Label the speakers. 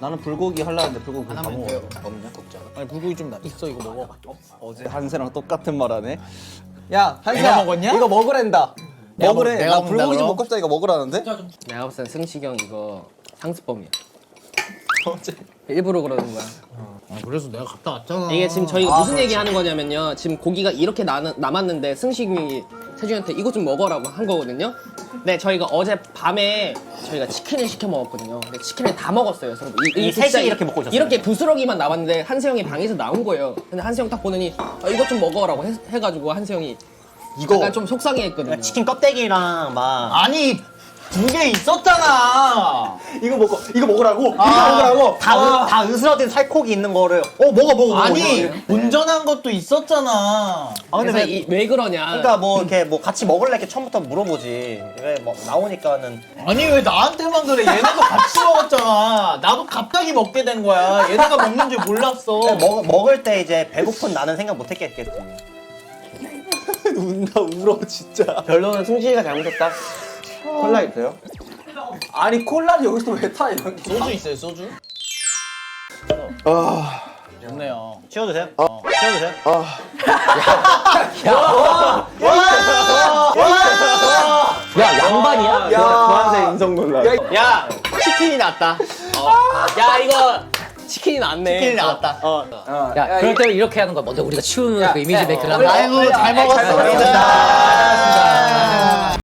Speaker 1: 나는 불고기 하려는데 불고기 다
Speaker 2: 하나만
Speaker 1: 먹어.
Speaker 2: 돼요.
Speaker 1: 없냐? 걱정.
Speaker 2: 아니 불고기 좀 있어 이거 먹어.
Speaker 1: 어제 한세랑 똑같은 말 하네. 야 한세야.
Speaker 2: 내가 먹었냐?
Speaker 1: 이거 먹으란다.
Speaker 2: 내가
Speaker 1: 먹으래.
Speaker 2: 내가
Speaker 1: 나
Speaker 2: 먹는다,
Speaker 1: 불고기 좀
Speaker 2: 그럼?
Speaker 1: 먹고 싶다 이거 먹으라는데?
Speaker 3: 내가 봤을 땐 승식이 형 이거 상습범이야. 일부러 그러는 거야.
Speaker 2: 아 그래서 내가 갔다 왔잖아.
Speaker 3: 이게 지금 저희가 무슨 얘기 하는 거냐면요. 지금 고기가 이렇게 남았는데 승식이 세준이한테 이거 좀 먹어라고 한 거거든요. 네, 저희가 어제 밤에 저희가 치킨을 시켜 먹었거든요. 근데 치킨을 다 먹었어요. 서로.
Speaker 4: 이 셋이 이렇게 먹고 있었어요?
Speaker 3: 이렇게 부스러기만 남았는데 한세 형이 방에서 나온 거예요. 근데 한세 형 딱 보더니 이것 좀 먹어라고 해가지고 한세 형이
Speaker 2: 이거
Speaker 3: 약간 좀 속상해했거든요.
Speaker 4: 치킨 껍데기랑 막
Speaker 2: 아니 2개 있었잖아.
Speaker 1: 이거 먹으라고. 이거
Speaker 2: 아.
Speaker 1: 먹으라고.
Speaker 4: 다 으스러진 살코기 있는 거를 먹어.
Speaker 2: 아니 운전한 것도 있었잖아.
Speaker 4: 아 근데
Speaker 3: 그래서
Speaker 4: 왜
Speaker 3: 왜 그러냐.
Speaker 4: 그러니까 뭐 이렇게 뭐 같이 먹을래 이렇게 처음부터 물어보지. 왜 뭐 나오니까는
Speaker 2: 아니 왜 나한테만 그래? 얘네도 같이 먹었잖아. 나도 갑자기 먹게 된 거야. 얘네가 먹는 줄 몰랐어.
Speaker 4: 먹을 때 이제 배고픈 나는 생각 못 했겠지.
Speaker 1: 운다 울어 진짜.
Speaker 3: 결론은 승식이가 잘못했다.
Speaker 1: 콜라 있어요? 아니 콜라를 여기서 왜 타 이런 게?
Speaker 2: 소주 있어요 소주?
Speaker 1: 아.
Speaker 2: 좋네요.
Speaker 4: 치워주세요. 치워주세요.
Speaker 3: 야, 양반이야?
Speaker 1: 보안색 인성 논란.
Speaker 3: 야, 치킨이 낫다. 야, 이거 치킨이 낫네.
Speaker 4: 치킨이 나왔다.
Speaker 5: 야, 그럴 때는 이렇게 하는 거야. 먼저 우리가 치우는 그 이미지 메이크를 하는 거야.
Speaker 2: 아이고 잘 먹었습니다.